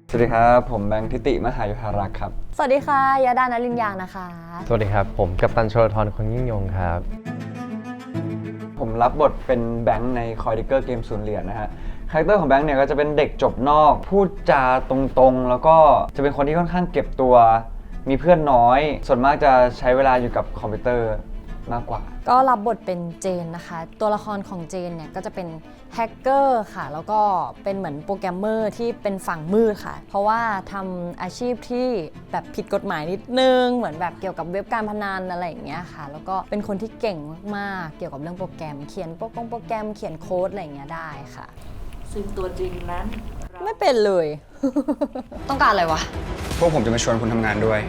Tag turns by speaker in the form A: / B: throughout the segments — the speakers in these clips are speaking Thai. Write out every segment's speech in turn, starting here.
A: สวัสดีครับผมแบงค์ทิติมหายุทธารักษ์ครับ
B: สวัสดีค่ะยาดานลินยางนะคะ
C: สวัสดีครับผมกัปตันชลธรคนยิ่งยงครับ
A: ผมรับบทเป็นแบงค์ในคอยดิเกอร์เกมศูนย์เหรียญนะฮะคาแรคเตอร์ของแบงค์เนี่ยก็จะเป็นเด็กจบนอกพูดจาตรงๆแล้วก็จะเป็นคนที่ค่อนข้างเก็บตัวมีเพื่อนน้อยส่วนมากจะใช้เวลาอยู่กับคอมพิวเตอร์มากกว่า
B: ก็รับบทเป็นเจนนะคะตัวละครของเจนเนี่ยก็จะเป็นแฮกเกอร์ค่ะแล้วก็เป็นเหมือนโปรแกรมเมอร์ที่เป็นฝั่งมืดค่ะเพราะว่าทำอาชีพที่แบบผิดกฎหมายนิดนึงเหมือนแบบเกี่ยวกับเว็บการพนันอะไรอย่างเงี้ยค่ะแล้วก็เป็นคนที่เก่งมากๆเกี่ยวกับเรื่องโปรแกรมเขียนโปรแกรมเขียนโค้ดอะไรอย่างเงี้ยได้ค่ะ
D: ซึ่งตัวจริงนั้น
B: ไม่เป็นเลย ต้องการอะไรวะ
A: พวกผมจะมาชวนคุณทำงานด้วย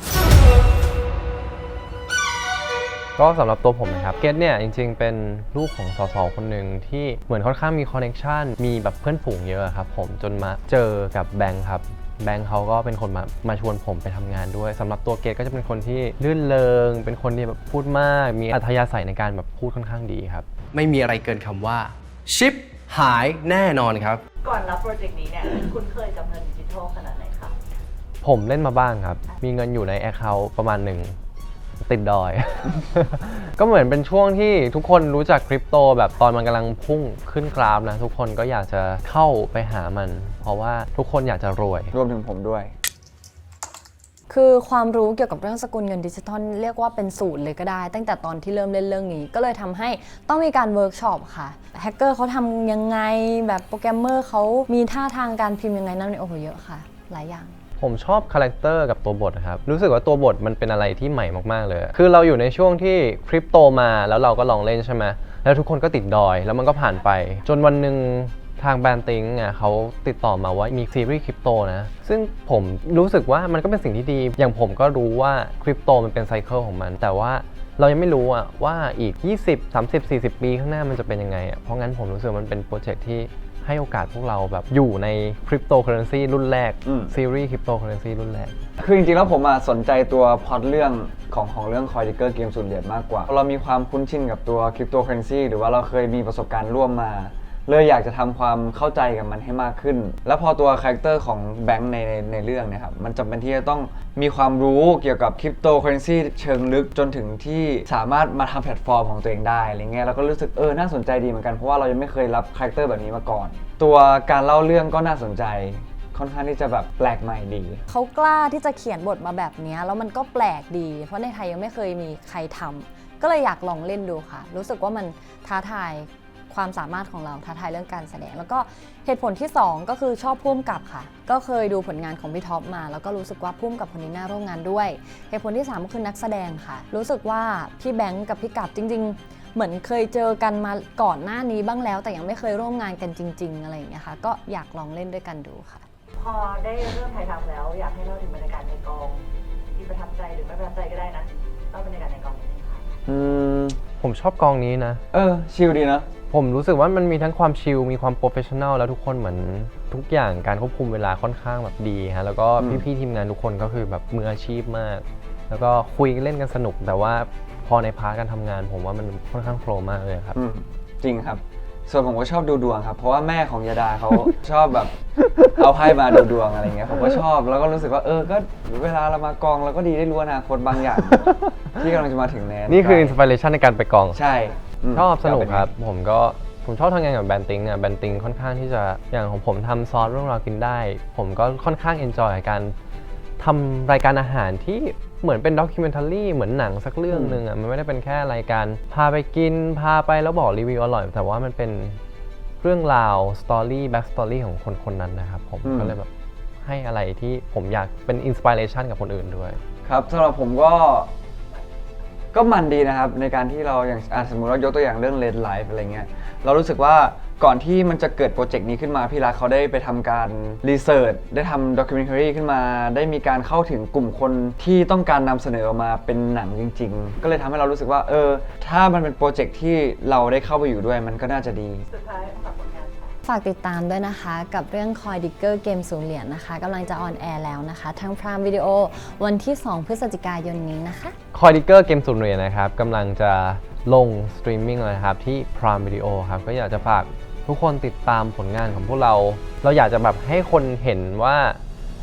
C: ก็สำหรับตัวผมนะครับเกตเนี่ยจริงๆเป็นลูกของสสคนหนึ่งที่เหมือนค่อนข้างมีคอนเนคชันมีแบบเพื่อนฝูงเยอะครับผมจนมาเจอกับแบงค์ครับแบงค์เขาก็เป็นคนมาชวนผมไปทำงานด้วยสำหรับตัวเกตก็จะเป็นคนที่ลื่นเลงเป็นคนที่แบบพูดมากมีอัธยาศัยในการแบบพูดค่อนข้างดีครับ
E: ไม่มีอะไรเกินคำว่าชิปหายแน่นอนครับ
D: ก่อนรับโปรเจกต์นี้เนี่ยคุณเคยกับเงินดิจิทัลขนาดไหนคะ
C: ผมเล่นมาบ้างครับมีเงินอยู่ใน Account ประมาณหนึ่งติดดอย ก็เหมือนเป็นช่วงที่ทุกคนรู้จักคริปโตแบบตอนมันกำลังพุ่งขึ้นกราฟนะทุกคนก็อยากจะเข้าไปหามันเพราะว่าทุกคนอยากจะรวย
A: รวมถึงผมด้วย
B: คือความรู้เกี่ยวกับเรื่องสกุลเงินดิจิทัลเรียกว่าเป็นศูนย์เลยก็ได้ตั้งแต่ตอนที่เริ่มเล่นเรื่องนี้ก็เลยทำให้ต้องมีการเวิร์กช็อปค่ะแฮกเกอร์เขาทำยังไงแบบโปรแกรมเมอร์เขามีท่าทางการพิมพ์ยังไงนั่นโอ้โหเยอะค่ะหลายอย่าง
C: ผมชอบคาแรคเตอร์กับตัวบทครับรู้สึกว่าตัวบทมันเป็นอะไรที่ใหม่มากๆเลยคือเราอยู่ในช่วงที่คริปโตมาแล้วเราก็ลองเล่นใช่ไหมแล้วทุกคนก็ติดดอยแล้วมันก็ผ่านไปจนวันหนึ่งทางแบรนด์ติงเขาติดต่อมาว่ามีซีรีส์คริปโตนะซึ่งผมรู้สึกว่ามันก็เป็นสิ่งที่ดีอย่างผมก็รู้ว่าคริปโตมันเป็นไซเคิลของมันแต่ว่าเรายังไม่รู้ว่าอีก20 30 40 ปีข้างหน้ามันจะเป็นยังไงเพราะงั้นผมรู้สึกมันเป็นโปรเจกต์ที่ให้โอกาสพวกเราแบบอยู่ในคริปโตเคอเรนซีรุ่นแรกซีรีส์คริปโตเคอเรนซีรุ่นแรก
A: คือจริงๆแล้วผมสนใจตัวพล็อตเรื่องของเรื่องคอยดิเกอร์เกมศูนย์เหรียญมากกว่าเรามีความคุ้นชินกับตัวคริปโตเคอเรนซีหรือว่าเราเคยมีประสบการณ์ร่วมมาเลยอยากจะทำความเข้าใจกับมันให้มากขึ้นแล้วพอตัวคาแรคเตอร์ของแบงค์ในเรื่องเนี่ยครับมันจำเป็นที่จะต้องมีความรู้เกี่ยวกับคริปโตเคอเรนซีเชิงลึกจนถึงที่สามารถมาทำแพลตฟอร์มของตัวเองได้อะไรเงี้ยเราก็รู้สึกน่าสนใจดีเหมือนกันเพราะว่าเรายังไม่เคยรับคาแรคเตอร์แบบนี้มาก่อนตัวการเล่าเรื่องก็น่าสนใจค่อนข้างที่จะแบบแปลกใหม่ดี
B: เขากล้าที่จะเขียนบทมาแบบนี้แล้วมันก็แปลกดีเพราะในไทยยังไม่เคยมีใครทำก็เลยอยากลองเล่นดูค่ะรู้สึกว่ามันท้าทายความสามารถของเราท้าทายเรื่องการแสดงแล้วก็เหตุผลที่2ก็คือชอบพุ่มกับค่ะก็เคยดูผลงานของพี่ท็อปมาแล้วก็รู้สึกว่าพุ่มกับคนนี้น่าร่วมงานด้วยเหตุผลที่3ก็คือนักแสดงค่ะรู้สึกว่าพี่แบงค์กับพี่กับจริงๆเหมือนเคยเจอกันมาก่อนหน้านี้บ้างแล้วแต่ยังไม่เคยร่วมงานกันจริงๆอะไรอย่างเงี้ยค่ะก็อยากลองเล่นด้วยกันดูค่ะ
D: พอได้เริ่มถ่ายทำแล้วอยากให้เล่าถึงบรรยากาศในกองที่ประทับใจหรือไม่ประทับใจก็ได้นะเล่าบรรยากาศในกองนิดนึงค่ะ
C: ผมชอบกองนี้นะ
A: ชิลดีนะ
C: ผมรู้สึกว่ามันมีทั้งความชิลมีความโปรเฟชชั่นแนลแล้วทุกคนเหมือนทุกอย่างการควบคุมเวลาค่อนข้างแบบดีฮะแล้วก็พี่ๆทีมงานทุกคนก็คือแบบมืออาชีพมากแล้วก็คุยเล่นกันสนุกแต่ว่าพอในพาร์ทการทำงานผมว่ามันค่อนข้างโฟล์มากเลยครับ
A: จริงครับส่วนผมก็ชอบดูดวงครับเพราะว่าแม่ของยาดาเขา ชอบแบบเอาไพ่มาดูดวงอะไรเงี้ยผมก็ชอบแล้วก็รู้สึกว่าก็เวลาเรามากองเราก็ดีได้รู้อนาคตบางอย่าง ที่กำลังจะมาถึงแน่
C: นี่คืออินสปิเรชันในการไปกอง
A: ใช่
C: ชอบสนุกครับผมชอบทำงานกับแบรนด์ติงแบรนด์ติงค่อนข้างที่จะอย่างของผมทำซอสเรื่องราวกินได้ผมก็ค่อนข้างเอนจอยกับการทำรายการอาหารที่เหมือนเป็นด็อกิเมนทารีเหมือนหนังสักเรื่องหนึ่งมันไม่ได้เป็นแค่รายการพาไปกินพาไปแล้วบอกรีวิวอร่อยแต่ว่ามันเป็นเรื่องราวสตอรี่แบ็กสตอรี่ของคนคนนั้นนะครับผมก็เลยแบบให้อะไรที่ผมอยากเป็นอินสปิเรชันกับคนอื่นด้วย
A: ครับสำหรับผมก็มันดีนะครับในการที่เราอย่างสมมุติเรายกตัวอย่างเรื่อง Red Life อะไรเงี้ยเรารู้สึกว่าก่อนที่มันจะเกิดโปรเจกต์นี้ขึ้นมาพี่รักเขาได้ไปทำการรีเสิร์ชได้ทำด็อกิเมนทารีขึ้นมาได้มีการเข้าถึงกลุ่มคนที่ต้องการนำเสนอออกมาเป็นหนังจริงๆก็เลยทำให้เรารู้สึกว่าถ้ามันเป็นโปรเจกต์ที่เราได้เข้าไปอยู่ด้วยมันก็น่าจะดี
D: สุดท้ายฝากผลงาน
B: ฝากติดตามด้วยนะคะกับเรื่อง Coin Digger เกมศูนย์เหรียญนะคะกำลังจะออนแอร์แล้วนะคะทาง Prime Video วันที่2 พฤศจิกายนนี้นะคะ
C: Coin Digger เกมศูนย์เหรียญนะครับกำลังจะลงสตรีมมิ่งเลยครับที่ Prime Video ครับก็อยากจะฝากทุกคนติดตามผลงานของพวกเราอยากจะแบบให้คนเห็นว่า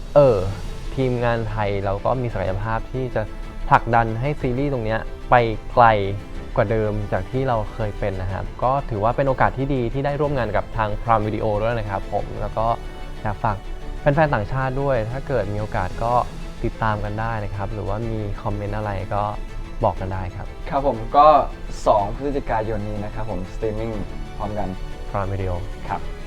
C: ทีมงานไทยเราก็มีศักยภาพที่จะผลักดันให้ซีรีส์ตรงเนี้ยไปไกลกว่าเดิมจากที่เราเคยเป็นนะครับก็ถือว่าเป็นโอกาสที่ดีที่ได้ร่วมงานกับทาง Prime Video ด้วยนะครับผมแล้วก็อยากฝากแฟนๆต่างชาติด้วยถ้าเกิดมีโอกาสก็ติดตามกันได้นะครับหรือว่ามีคอมเมนต์อะไรก็บอกกันได้ครับ
A: ครับผมก็ 2 พฤศจิกายนนี้นะครับผมสตรีมมิ่งพร้อมกัน
C: Prime Video
A: ครับ